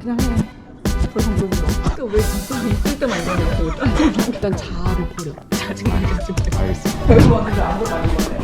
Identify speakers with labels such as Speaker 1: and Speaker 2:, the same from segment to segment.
Speaker 1: 그냥 해. 그 정도로. 그러니까 왜 진짜 있을 때만 이러냐고. 일단 자아를 버려. 짜증나게 좀.
Speaker 2: 알겠습니다.
Speaker 1: 별거 없는데 아무것도 아닌 거네.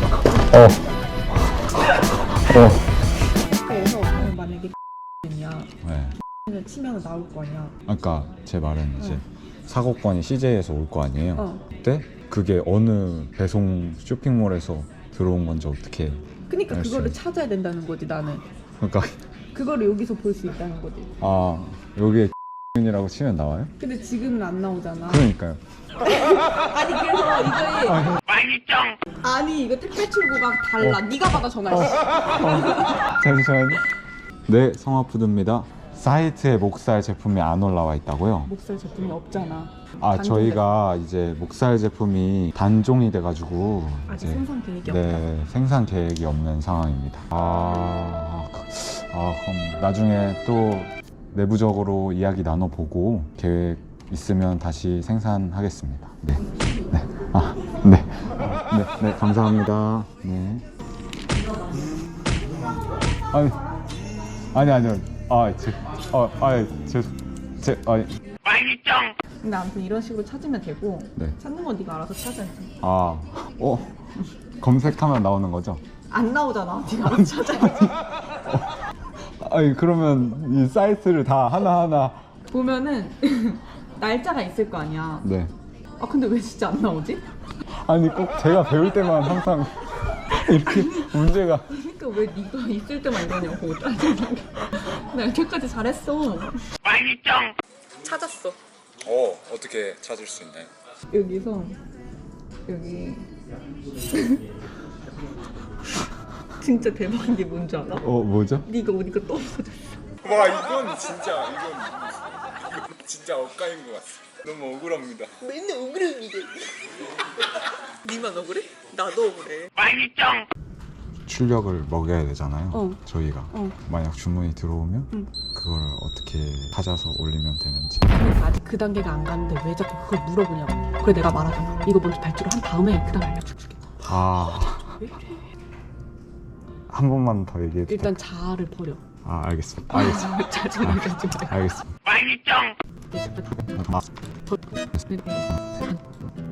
Speaker 1: 그래서 만약에 이야
Speaker 2: 네.
Speaker 1: 치면 나올 거 아니야.
Speaker 2: 아까 제 말은 이제 사고권이 CJ에서 올 거 아니에요. 그때 그게 어느 배송 쇼핑몰에서 들어온 건지 어떻게
Speaker 1: 그러니까
Speaker 2: 알 수
Speaker 1: 그거를
Speaker 2: 있-
Speaker 1: 찾아야 된다는 거지 나는.
Speaker 2: 그러니까
Speaker 1: 그거를 여기서 볼 수 있다는 거지.
Speaker 2: 아 여기에 이라고 치면 나와요?
Speaker 1: 근데 지금은 안 나오잖아.
Speaker 2: 그러니까요.
Speaker 1: 아니 그래서 이거에 아니 이거 택배 출고가 달라. 네가 받아 전화해.
Speaker 2: 잠시만요. 네, 성화푸드입니다. 사이트에 목살 제품이 안 올라와 있다고요?
Speaker 1: 목살 제품이 없잖아.
Speaker 2: 아,
Speaker 1: 단종돼.
Speaker 2: 저희가 이제 목살 제품이 단종이 돼가지고
Speaker 1: 아직
Speaker 2: 이제
Speaker 1: 생산 계획이 없다.
Speaker 2: 네, 생산 계획이 없는 상황입니다. 그럼 나중에 또 내부적으로 이야기 나눠보고 계획 있으면 다시 생산하겠습니다. 네, 네, 네, 감사합니다. 네. 아니요.
Speaker 1: 근데 아무튼 이런 식으로 찾으면 되고
Speaker 2: 네.
Speaker 1: 찾는 건 네가 알아서 찾아야지.
Speaker 2: 검색하면 나오는 거죠?
Speaker 1: 안 나오잖아. 네가 알아서 찾아야지.
Speaker 2: 그러면 이 사이트를 다 하나하나.
Speaker 1: 보면은 날짜가 있을 거 아니야.
Speaker 2: 네.
Speaker 1: 아 근데 왜 진짜 안 나오지?
Speaker 2: 아니, 꼭 제가 배울 때만 항상 이렇게 문제가.
Speaker 1: 그러니까 왜 네가 있을 때만 이러냐고. 짜증나게. 나 여태까지 잘했어. 찾았어.
Speaker 2: 어떻게 찾을 수 있나요?
Speaker 1: 여기서 여기 진짜 대박인 게 뭔지 알아?
Speaker 2: 뭐죠?
Speaker 1: 네가 오니까 또 없어졌어.
Speaker 2: 와, 이건 진짜 억까인 것 같아. 너무 억울합니다.
Speaker 1: 맨날 억울해 이게. 니만 억울해? 나도 억울해.
Speaker 2: 출력을 먹여야 되잖아요. 저희가 만약 주문이 들어오면 그걸 어떻게 찾아서 올리면 되는지.
Speaker 1: 근데 아직 그 단계가 안 갔는데 왜 자꾸 그걸 물어보냐고. 그래 내가 말하잖아. 이거 먼저 발주를 한 다음에 그 다음 알려줄게.
Speaker 2: 한 번만 더 얘기해 주세요.
Speaker 1: 일단 자아를 버려.
Speaker 2: 알겠습니다.
Speaker 1: 짜증나게 하지 마.
Speaker 2: 알겠습니다.
Speaker 1: 네,